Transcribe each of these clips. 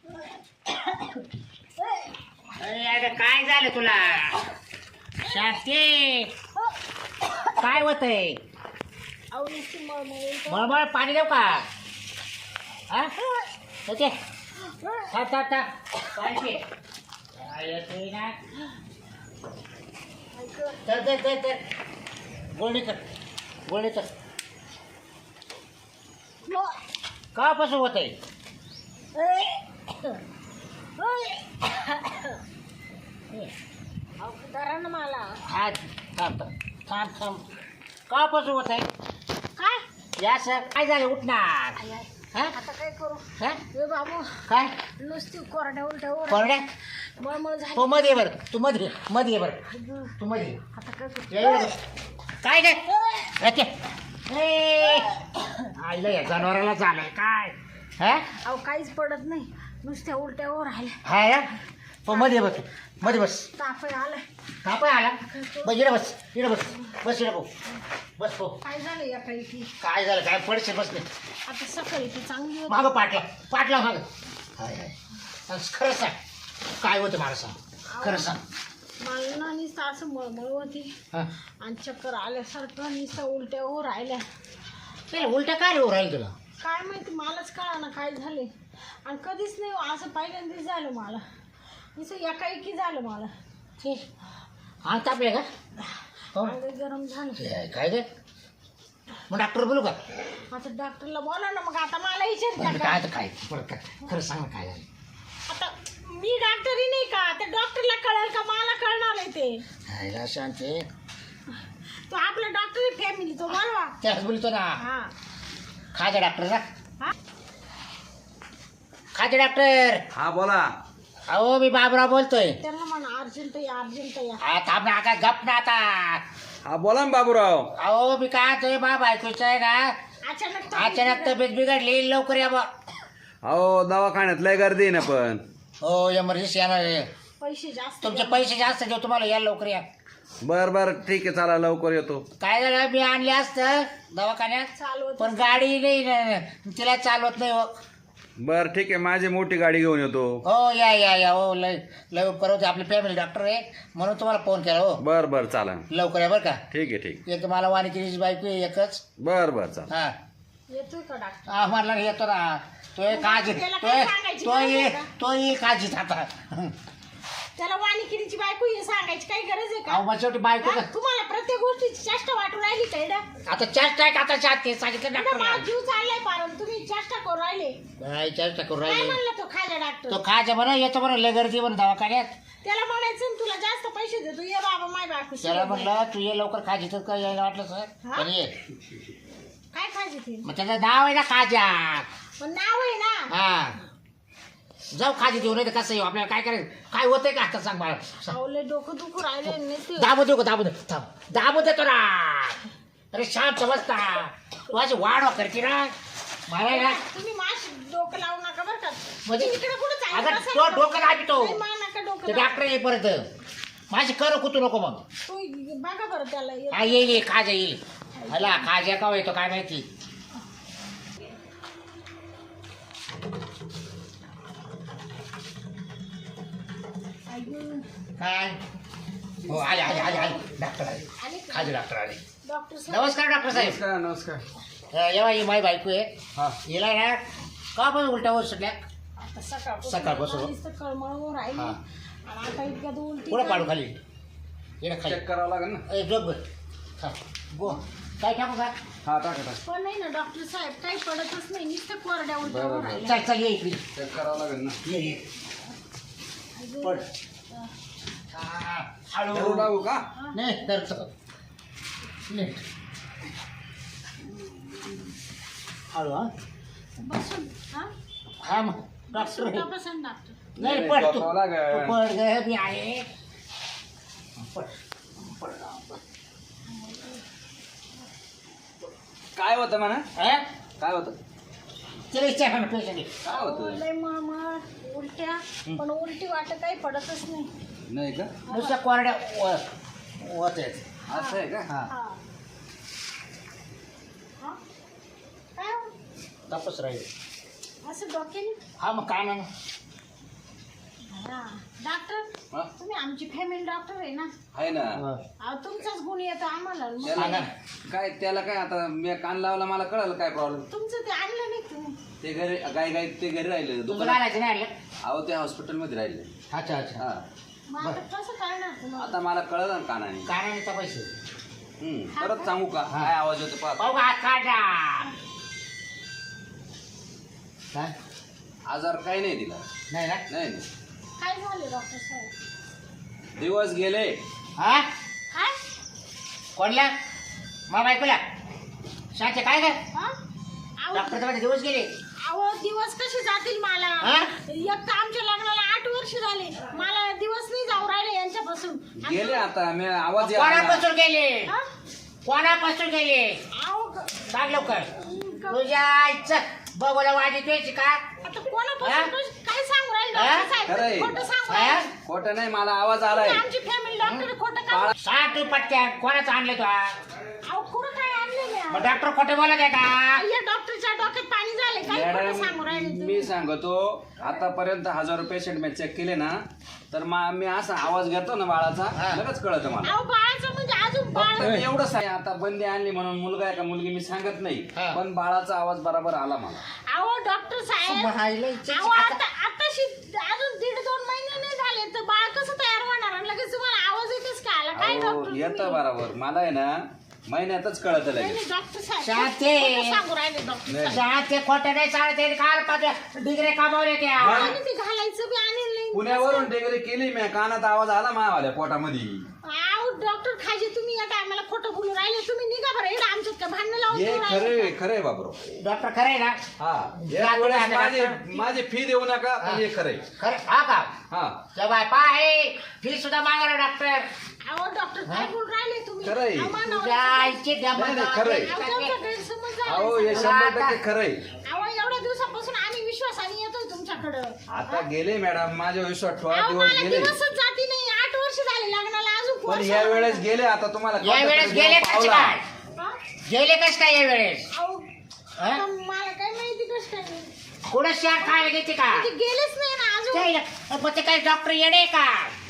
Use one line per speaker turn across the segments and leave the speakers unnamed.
अरे काय झालं तुला शांती? काय होतंय? मळमळ पाणी देऊ का? हा ओके थांब थांब थांब पाणी काय येतोय ना? तर तर तर तर गोळणी कर गोळणी कर. कापासून होत आहे?
मला
हा थांब थांब थांब. कापासून होत आहे?
काय
या सर काय झालं उठणार? हा
आता काय करू?
हा
ए बाबू
काय
नुसती कोरड्या उलट्यावर
कोरड्या?
मळमळ झाली.
तो मध्ये बर तू मध्ये मध्ये बर तू मध्ये
आता काय करू?
ये ये. काय काय आईला या जनावराला झालंय काय? हा
अहो काहीच पडत नाही, नुसत्या उलट्यावर राहिल्या.
हा या तो मध्ये बस मध्ये बस.
ताप आलाय.
ताप आला बस इकडे बस इकडे बस बस इकडे भाऊ बस भाऊ.
काय झालं या काही की
काय झालं काय पडશે बसले
आता सकाळी ती चांगली होती.
मागं पाटला पाटला मागं. हाय हाय खरं सांग काय होतं मला सांग खरं सांग.
मला ना नुसतं असं मळमळ होती
हां
आणि चक्कर आल्यासारखं नुसतं उलट्यावर राहिल्या.
ते उलट्या काय रे राहील तुला?
काय माहिती मलाच कळा ना काय झाले. आणि कधीच नाही हो, असं पहिल्यांदाच झालं मला. नुसतं एकाएकी झालं मला.
अंग तापले का? हो
अंग गरम झालं.
ते काय रे मग डॉक्टर बोलू का?
आता डॉक्टरला बोला ना. मग आता मला विचारता का?
काय तर काय बरं काय खरं सांग ना काय झालं?
आता मी डॉक्टरही नाही का? त्या डॉक्टरला कळेल का मला कळणार आहे ते?
हायला शांती
तो आपला डॉक्टर फॅमिली तो बोलवा.
त्याच बोलतो ना
हा
खाजा डॉक्टर ना
हा
खाजा डॉक्टर.
हा बोला.
अहो मी बाबराव बोलतोय.
त्यांना म्हणा अर्जंट या अर्जंट या.
हा थांब ना आता गप ना आता.
हा बोला ना बाबूराव.
अहो मी काय म्हणतोय बाबा ऐकूच आहे ना अचानक तब्येत बिघडली लवकर या बा.
अहो दवाखान्यात लय गर्दी आहे ना पण.
हो एमर्जन्सी येणार आहे.
पैसे जास्त
तुमचे
द्या.
पैसे जास्त देऊ तुम्हाला या लवकर या.
बर बर ठीक आहे चला लवकर येतो.
काय झालं मी आणले असतं दवाखान्यात
चालवत
पण गाडी नाही ना, तिला चालवत नाही हो.
बर ठीक आहे माझी मोठी गाडी घेऊन येतो.
हो या या या हो लय लय परत आपले फॅमिली डॉक्टर आहे म्हणून तुम्हाला फोन केला हो.
बर बर चाला.
लवकर या बरं का.
ठीक आहे ठीक.
एक मला वाणिकीची बायको आहे एकच.
बर बर चाल.
हा
येतोय का डॉक्टर?
हा म्हणला येतो ना तो एक काळजी
त्याला काय सांगायची
तो
गरज आहे का?
तो ही काळजीत आता.
त्याला वाणिकिनीची बायको हे सांगायची काही गरज आहे
अहो
का?
मग शेवटी बायको
हा? तुम्हाला प्रत्येक गोष्टीची चेष्टा वाटून राहिली का इकडं?
आता चेष्टा आहे का आता चाट ते सांगितलं
इकडं माझा
डॉक्टर.
जीव चाललाय पारण तुम्ही चेष्टा करू राहिले.
काय चेष्टा करू
काय
राहिले
म्हणलं तो खाजा डॉक्टर?
तो खायचं म्हणा येतो म्हणा लय गर्दी म्हणून दवाखान्यात.
त्याला म्हणायचं ना, तुला जास्त पैसे देतो ये बाबा माय बायको
त्याला
शिवाय.
म्हटलं तू ये लवकर खाजी तर काय यायला वाटलं सर
हा?
पण ये
काय खायचे ते?
मग त्याचं नाव आहे ना खाजा.
पण नाव आहे ना.
हा जाऊ खाजी देऊ नाही तर कसं येऊ आपल्याला काय करायचं काय होतंय का आता सांग मला.
सावले डोकं दुखू राहिले नाही ते.
दाबू देऊ का दाबू दे थांब दाबू देतो ना. अरे शांत समजता तू अशी वाढ करते ना मला आहे ना
तुम्ही माश डोकं लावू नका बरं का.
म्हणजे
इकडे कुठं
अगं
जायचं?
तो डोकं दाबितो
नाही, मा नका डोकं
ते
लावू.
डॉक्टर ये परत माझी कर कुतू नको मग.
तू बघा बरं त्याला ये.
हा येईल खाजा येईल हला खाजा का येतो काय माहिती.
अय्यो.
काय हो आले आले आले आले डॉक्टर आले
आले का?
खाजे डॉक्टर आले.
डॉक्टर साहेब
नमस्कार डॉक्टर साहेब.
नमस्कार नमस्कार.
येवा ही माई बायको आहे
हा
हिला ना का पण उलटा होत सुटल्या
आता
सकाळपासून.
नुसतं कळमळून राहिली.
हा.
आणि आता इतक्यात उलटी
पुढं पाडू खाली ये खाली
चेक करावं लागेल ना.
ए जोग गो काय टाकू का
हा टाका टाका.
पण नाही ना डॉक्टर साहेब काही पडतच नाही, नुसतं कोरड्या उलट्या
बरं,
होऊन
बरं.
राहिल्या.
चल चल ये इकडे
चेक करावं लागेल ना.
ये ये
अय्यो.
पड हा, हळू
धरू लागू का?
नाही तर नीट हळू हा
बसून हा
हा मग डॉक्टर
बसून बसून डॉक्टर.
नाही
नाही,
पड तू
झोपावं लागेल.
तू पड ग मी आहे पड पड
काय होतं म्हणा?
हा
काय होतं?
चल विचार ना पेशंट
काय होतं?
लय मळमळ उलट्या पण उलटी वाटत काही पडतच नाही.
नाही का?
नुसत्या कोरड्या होत आहेत.
असं आहे का?
हा
हा हा? काय हो?
तापच राहील
असं डोक्याने
हा मग काय ना
हा. डॉक्टर
हा?
तुम्ही आमची फॅमिली डॉक्टर आहे ना.
आहे ना.
अहो तुमचाच गुण येतो आम्हाला. मग
त्याला काय त्याला काय आता मी कान लावला मला कळलं काय प्रॉब्लेम.
तुमचं ते आणलं नाही तुम्ही.
ते घरी गाय ते घरी राहिले
तुझं
दुकानात.
घालायचं नाही आणलं?
अहो ते हॉस्पिटलमध्ये राहिले.
अच्छा अच्छा.
हा
मग आता कसं करणार तुम्हाला.
आता मला कळलं ना कानाने.
कानाने पैसे
परत सांगू का काय आवाज होतो पाहतो.
पाहू का हात काढा. काय
आजार काही नाही दिला.
नाही ना.
नाही नाही.
काय झाले डॉक्टर साहेब.
दिवस गेले.
हा
काय
कोणला मग बायकोला शाचे काय काय
हा. अहो,
डॉक्टरच्या मध्ये दिवस गेले.
अहो दिवस कसे जातील मला.
हा?
एक तर आमच्या लग्नाला 8 वर्ष झाले. मला दिवस नाही जाऊ राहिले यांच्यापासून.
गेले आता मी आवाज यायला.
कोणापासून गेले
हा?
कोणापासून गेले
अहो
सांग लवकर. तुझ्या आईचं बघूला वाजी तुझी का
आता कोणापासून काय सांगू राहिले
हा?
डॉक्टर
खरंय.
साहेब. खोटं सांगू
हा?
राहिले.
खोटं नाही मला आवाज आलाय.
तुम्ही आमची फॅमिली डॉक्टर खोटं का.
सांग तू पटक्या कोणाचं आणलं तू
अहो कुठं काय आणले
मग डॉक्टर खोटे बोलत आहे का.
या डॉक्टरच्या डोक्यात पाणी झाले. काय खोटं सांगू राहिले
मॅडम
तुम्ही.
मी सांगतो आतापर्यंत 1000 पेशंट मी चेक केले ना तर मी असा आवाज घेतो ना बाळाचा
हा.
लगेच कळत मला.
अहो बाळाचं म्हणजे अजून बाळ.
फक्त मी एवढंच आहे आता बंदी आणली म्हणून मुलगा आहे का मुलगी मी सांगत नाही
हा.
पण बाळाचा आवाज बरोबर आला मला.
अहो डॉक्टर साहेब. अहो आता आताशी अजून 1.5-2 महिने नाही झाले तर बाळ कसं तयार होणार आणि लगेच तुम्हाला आवाज येतेच का आला. काय डॉक्टर
येतं
तुम्ही?
बरोबर मला आहे ना महिन्यातच कळत
नाही,
लगेच.
नाही, डॉक्टर साहेब
शांती.
खोटं सांगू राहिले डॉक्टर
नाही.
साहेब.
ते खोटे नाही चालते काल पाच डिग्री कामावले त्या
आणि ते घालायचं बी आणलं नाही.
पुण्यावरून डिग्री केली मी कानात आवाज आला मावाल्या पोटामध्ये.
अहो डॉक्टर खाजे तुम्ही या टायमाला खोटं बोलू राहिले. तुम्ही निघा बरं इकडे आमच्यात काय भांडणं लावून
हे
देऊ राहिले
खरे
का?
खरे बाबरो.
डॉक्टर खरे ना
हा
जा
एक वेळेस
तुम्ही
माझी फी देऊ नका पण हे खरे.
खरे हा का
हा
जबाय पाय फी सुद्धा मागा डॉक्टर.
अहो डॉक्टर काय बोलू राहिले तुम्ही.
खरंय.
अहो, मानव.
तुझ्या आईची
नाही, नाही, खरंय.
अहो, तुमचा गैरसमज झाला.
अहो हे 100% खरंय.
अहो एवढ्या दिवसापासून आम्ही विश्वासाने येतोय तुमच्याकडं.
आता गेले मॅडम माझ्या विश्वास ठेवा
अहो
दिवस
मला
गेले
दिवसच जाती नाही. 8 वर्ष झाले लग्नाला अजून
पण
वर्ष
या
झालं.
वेळेस गेले आता तुम्हाला
या वेळेस गेले कसे
पावला.
काय
हा?
गेले कस काय या वेळेस
अहो
हा?
आता मला काय माहिती कसं काय नाही.
कुठं शाट खायला घेते का
म्हणजे गेलेच नाही ना अजून.
मग ते काय डॉक्टर येणे का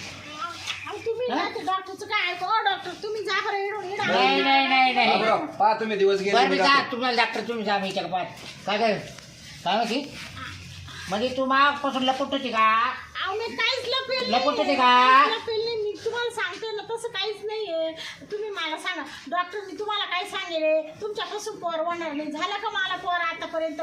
अहो तुम्ही
हा?
ना ते डॉक्टरचं काय ऐकू. अहो डॉक्टर तुम्ही जा बरं इडून इडा.
नाही नाही नाही नाही
बाबराव, पहा तुम्ही दिवस गेले
बरं
मी
मी जा
जातो.
तुम्हाला डॉक्टर तुम्ही जा मी काय काय काय माहिती म्हणजे तू मागपासून लपट होती का
अहो मी काहीच लपेल
लपवत होते
नाही.
का?
काहीच लपेल नाही. मी तुम्हाला सांगते ना तसं काहीच नाहीये. तुम्ही मला सांगा डॉक्टर मी तुम्हाला काय सांगेल. तुमच्यापासून पोर होणार नाही. झालं का मला पोर आतापर्यंत.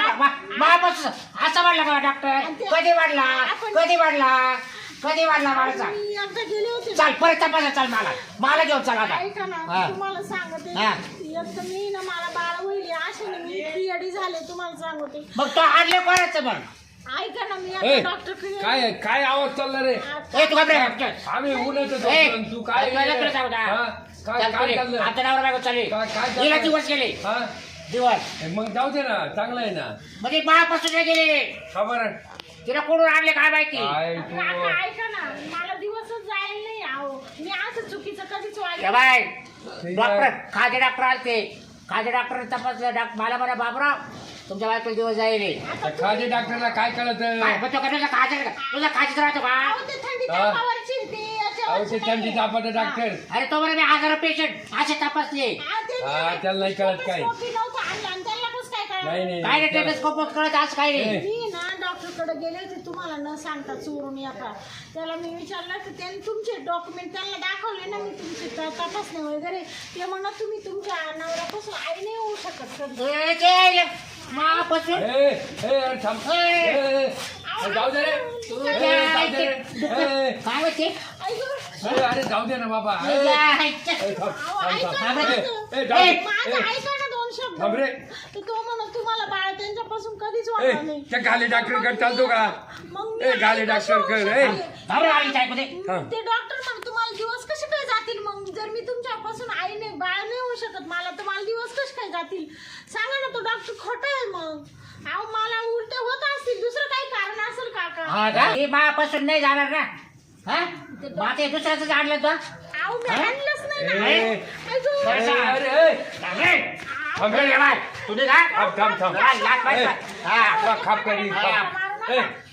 मापासून असं वाढला का डॉक्टर कधी वाढला कधी वाढला कधी वाढला बाळाचा
मी एकदा गेले होते.
चाल परत तपासा चाल मला घेऊन चल आता
ऐका ना
हा.
तुम्हाला सांगते
हा.
एकदा मी ना मला बाळ होईल अशाने मी पिरियडी झाले तुम्हाला सांगते.
मग तो आणले कोणाचं मग
ऐका ना मी
ए,
एकदा डॉक्टर
काय काय आवाज चालला रे
ए तू घाबरे
आम्ही उन्हाचं
ए,
झोपलो, तू काय
लवकर जाऊ द्या.
हा? काय काय चाललंय
आता नवरा बायको चालली
काय चाललंय?
गेला दिवस गेले
हा
दिवस
मग जाऊ दे ना चांगलं आहे ना
म्हणजे बाळापासून नाही गेले
खबर
तिला कोणून आणले काय माहिती
काय तू
काका, ऐका ना मला दिवसच जायला नाही आहो. मी असं चुकीचं कधीच
ए
वागले
बाय
ठीक
डॉक्टर
आहे.
खाजे डॉक्टर आलते खाजे डॉक्टर तपासलं मला म्हणा बाबराव तुमच्या बायकोला दिवस जाईल
खाजे डॉक्टरला काय कळत
काय मग तो का तुझा खाजीच राहतो का
अहो, ते थंडी
हा.
तापावरची ते
अहो
याच्यावरची
ते थंडी
नाही.
तापाचं डॉक्टर
अरे तो बरं मी 1000 पेशंट असे तपासले
हा, ते
हा, त्याला नाही कळत काय.
स्कोपी नव्हतं आणलं आणि त्याला कसं काय कळलं?
नाही नाही
काय रे टेलिस्कोप कळत आज काय नाही
मी ना डॉक्टरकडे गेले होते तुम्हाला न सांगता चोरून एका. त्याला मी विचारलं तर त्यांनी तुमचे डॉक्युमेंट त्यांना दाखवले ना मी तुमचे तपासणे वगैरे. ते म्हणत तुम्ही तुमच्या नवऱ्यापासून आई नाही होऊ शकत कधी.
ए, ते मापासून
ए ए अरे थांब ए, ए, ए, जाऊ दे रे
तुझ्या
ए, जाऊ दे रे.
आईचे-
ए,
काय होते
ऐका,
ए, अरे जाऊ दे ना बाबा ए,
तुझ्या आईचे-
ए, थांब,
अहो,
थांब,
ऐका
थांब.
ना
ए,
तुमचं.
ए, जाऊ दे.
माझं
ए,
ऐका ना 2 शब्द.
थांब रे.
तर तो म्हणत तुम्हाला बाळ त्यांच्यापासून कधीच
ए,
वाटणार नाही.
त्या गाले डॉक्टरकडे चालतो का
मग मी
ए, गाले
आई कसं
डॉक्टरकडे,
होऊ
ए.
शकते?
थांब रे, आईच्या ऐकू दे.
थांब.
ते डॉक्टर म्हणून तुम्हाला दिवस कसे काय जातील मग जर मी तुमच्यापासून आई नाही बाळ नाही होऊ शकत मला तर मला दिवस कसे काय जातील सांगा ना. तो डॉक्टर खोटा आहे मग. अहो मला उलटे होत असतील दुसरं काही कारण असेल काका.
हा का? हे मापासून नाही जाणार ना हा मग ते दुसऱ्याच आणलं तो
अहो मी
हा?
आणलंच नाही ना.
ए.
ऐकू.
बरं,
ए,
सांग.
अरे ए,
अरे,
थांब
अरे,
रे.
बाय, तुम्ही काय
थांब थांब थांब
लाज- लाज बाई,
ए,
हा.
तुला खाप करी
मारा,
खाप.
मारा
ए,
नका.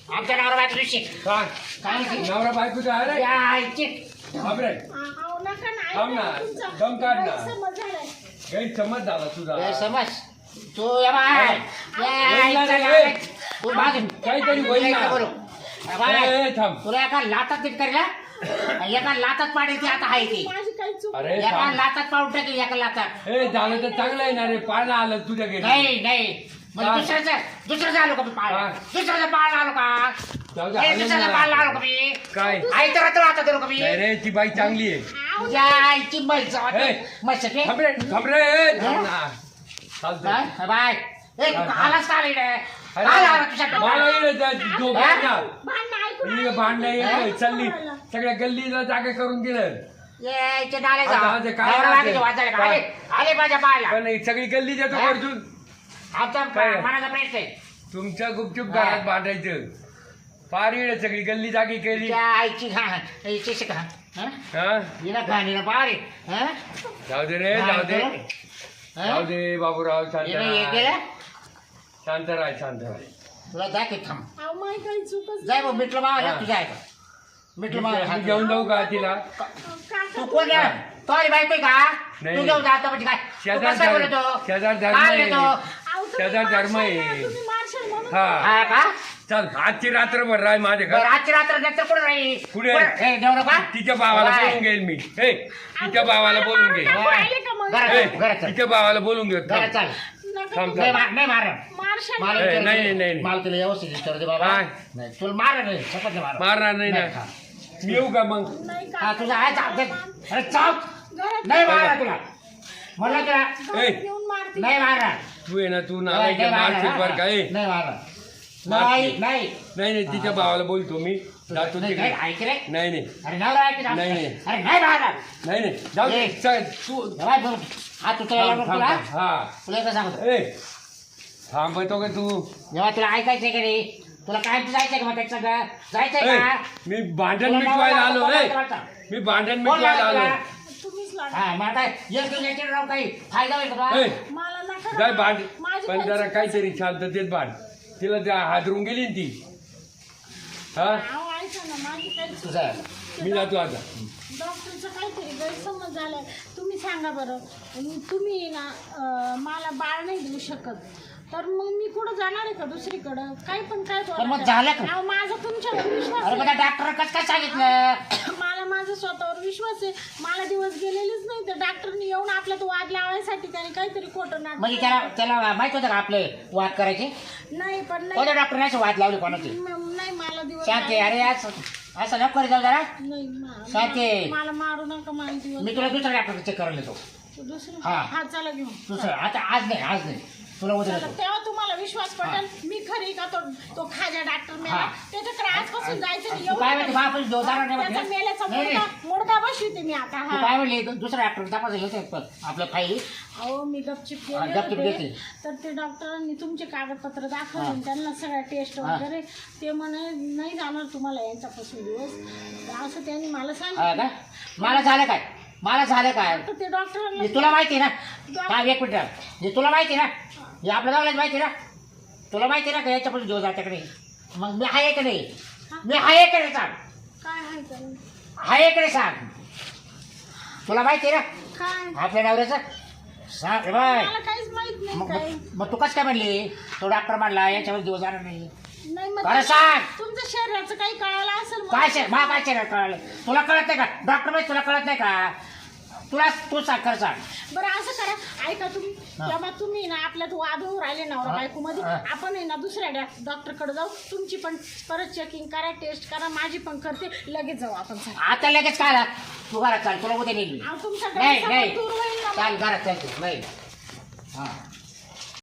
आमच्या नवरा बायको दिवशी
काय
काय म्हणते?
नवरा बायकोचा आहे रे
या आईची.
बापरे
अहो नका ना,
थांब ना,
ऐका तुमचा
दम काढ ना.
गैरसमज झालाय.
गैरसमज झाला तुझा
ए, समज तू या बाय
नाही,
या
नाही,
आईचा
नाही.
तू मागे
काहीतरी होईल ना.
बोलू. या बाय,
ए, थांब
तुला एका लातात नीट करेल एका लातात पाडेल ती आता आहे ती
माझी काही चूक
अरे
एका
थांब.
लातात पाडून टाकेल एका लातात
ए झालं तर चांगलं आहे ना रे पाळणं आलं तुझ्या घरी
नाही नाही म्हणजे दुसऱ्याचं आलो का मी पाळ
हा.
दुसऱ्याचं पाळ आलो का
जाऊ दे,
ए,
आलं
दुसऱ्याचं
ना.
पाळ आलो का मी
काय
आई तर आता करू का मी
नाही रे ती बाई चांगली आहे
तुझ्या आईची म्हैस
ए.
म्हैस आहे.
थांब रे थांब रे ए, थांब ना. चालतंय.
काय? बाय ए
चाल, चाल.
आलाच का आली रे
अरे,
आला तुझ्या
मला
डोक्यात.
येईल त्या झोपेत ना.
भांडणं ऐकून
ही भांडणं
हा?
येतोय चालली सगळ्या गल्लीला जागा करून दिलं
ये इथे डाले जा
आता आज काय
नवरा
राहते?
बायकोचे वाजायला का? आले
काय?
आले माझ्या पायाला
पण ही सगळी गल्ली देतो
हा?
अर्जुन
आमचा
काय?
मनाचा प्रश्न आहे
तुमच्या गुपचूप
हा.
घरात भांडायचं फार येईल सगळी गल्ली जागी केली
त्या आईची आईची शिका
हा
हिला घाणीला पारे
जाऊ दे रे जाऊ दे जाऊ दे बाबूराव शांत
हे
राह
गेलं
शांत राह शांत राह
तुला दाखव थांब
अहो माझी काही चूकच
जाय भाऊ मिटलं मावा तुझ्या आहे का मिटलं
मी
मावा
घेऊन जाऊ का तिला
काका
तू कोण आहे? तो आली बायको आहे का
नाही.
तू घेऊन जातो म्हणजे काय तू
शेजार
कसं
धर्म-
बोलतो
शेजार धर्म
काय
आहे.
बोलतो?
अहो, तुम्ही
त्याचा धर्म
मारशाल
आहे.
ना, तुम्ही मारशाल म्हणून
हा
हा का
चल आजची रात्रभर राह माझ्या
बरं,
घर
आजची रात्र नंतर कुठं राहील
कुठे?
हे देऊ नका
तिच्या भावाला
बाय.
बोलून घेईल मी हे तिच्या भावाला बोलून घे
टाकू राहिले का मग?
घरात
ए,
घरात चल.
तिच्या भावाला बोलून घे
घरात चाल
नका
थांब,
तुम्ही
नाही मार
मारशाल
मला
ए,
विचारू
नाही,
दे.
नाही, नाही.
मला तुला व्यवस्थित विचारू दे बाबा
काय?
नाही तुला मार नाही शपथ नाही मार
मारणार नाही ना
हा.
मी येऊ का मग
नाही
हा
काका.
तुझा आहे चाल अरे चाल
घरात
नाही मारणार तुला म्हणलं तुला
ए.
घरात येऊन मारते.
नाही मारणार
तू आहे ना तू
नाही
नालायक
मारणार,
मारशील बरं का ए.
नाही मारणार
मारशील.
नाही नाही
नाही नाही तिच्या भावाला बोलतो मी जातो
नाही,
तिकडे
नाही, ऐक रे
नाही नाही
अरे नवरा ऐक ना.
नाही, नाही.
अरे नाही मारणार
नाही नाही जाऊ दे.
ए.
चल, तू
बाय, बघ. हा तू तुला
थांब,
तुला
थांब, थांब. हा
तुला एकदा सांगतो
ए थांबतो का तू
जेव्हा तुला ऐकायचंय की नाही तुला काय जायचंय का मग त्याच्या संग? जायचंय
ए,
का
मी भांडण
तुला
मिटवायला
नवरा
आलो
बायको
ए
करायचा.
मी भांडण
कोण
मिटवायला
लागला
आलो
तुला?
तुम्हीच लागा.
हा मग आता एक दिवसाचे राव काही फायदा होईल का तुला?
ए
मला नका
जाय
ना.
भांड
माझी
पण
काही
जरा
चूक
काहीतरी शांततेत भांड तिला त्या हादरून गेली ना ती हा
अहो, ऐका ना, माझी काही चूक
तुझं आहे.
नाही.
मी जातो आता
डॉक्टरचं काहीतरी गैरसमज झालाय. तुम्ही सांगा बरं तुम्ही ना मला बाळ नाही देऊ शकत तर मग मी कुठं जाणार आहे का दुसरीकडं काय पण काय
पण मग झालं का?
अहो, माझा तुमच्यावर विश्वास
अरे
आहे.
बघा डॉक्टर कसं काय सांगितलं
मला माझा स्वतःवर विश्वास आहे. मला दिवस गेलेलेच नाही तर डॉक्टरनी येऊन आपला तो वाद लावायसाठी त्याने काहीतरी खोटं
म्हणजे
नाटक
त्याला माहित होतं का आपले वाद करायचे
नाही पण नाही
कोणत्या डॉक्टरने असे वाद लावले कोणाचे
नाही मला दिवस
शांती अरे असं नको करी जाऊ जरा
नाही
शांती.
मला मारू नका मला दिवस
मी तुला दुसऱ्या डॉक्टर चेक करायला येतो
दुसरं
हा.
हा चला घेऊन
दुसरं आता आज नाही तुला उद्या
चला,
देतो
तेव्हा तुम्हाला विश्वास पटेल मी खरी का तो खाजा डॉक्टर मेला
हा.
त्याच्याकडे आजपासून जायचं नाही.
तू काय
एवढं
म्हणते बाप जोरदार नाही
त्याचा
म्हणते?
मेल्याचा
नाही, नाही.
मुडका बसवते मी आता
तू
हा
काय म्हणले दुसऱ्या डॉक्टर तपासायला येतो आपलं फाईल
अहो मी गपचिप
हा,
गेले
गपचूप
होते
घेतली.
तर ते डॉक्टरांनी तुमचे कागदपत्र दाखवले
हा.
आणि त्यांना सगळ्या टेस्ट
हा.
वगैरे ते म्हणे नाही जाणार तुम्हाला यांच्यापासून दिवस असं त्यांनी मला
हा
सांगितलं
का मला झालं काय
तर ते डॉक्टरांना
हे तुला माहिती आहे ना हा एक मिनिट हे तुला माहिती आहे ना हे आपल्या गावालाच माहिती आहे ना तुला माहिती आहे ना का याच्यापासून दिवस जात्याकडे मग मी आहे का नाही मी आहे का नाही सांग
काय आहे त्याला?
आहे का नाही सांग तुला माहिती आहे ना
काय
आपल्या नवऱ्याचं सांग रे बाय
मला काहीच माहित नाही
मग
काय
मग तू कसं काय म्हणली तो डॉक्टर म्हणला याच्यावर दिवस जाणार नाही
नाही मग
बरं सांग.
तुमच्या शरीराचं काही कळालं असेल मला.
काय शे काय शरीर कळलं तुला कळत नाही का डॉक्टर माहिती तुला कळत नाही का तू सांग खरं सांग
बरं असं करा ऐका तुम्ही तेव्हा तुम्ही ना आपल्यात वाद होऊ राहिले नवरा बायको मध्ये
हा.
आपण आहे ना दुसऱ्या डॉक्टरकडे जाऊ तुमची पण परत चेकिंग करा टेस्ट करा माझी पण करते लगेच जाऊ आपण सगळे.
आता लगेच काय आला? तू घरात चाल तुला उद्या नेली
अहो, तुमचा
नाही
गैरसमज
नाही
दूर होईल ना मग.
चाल घरात चाल तू नाही हा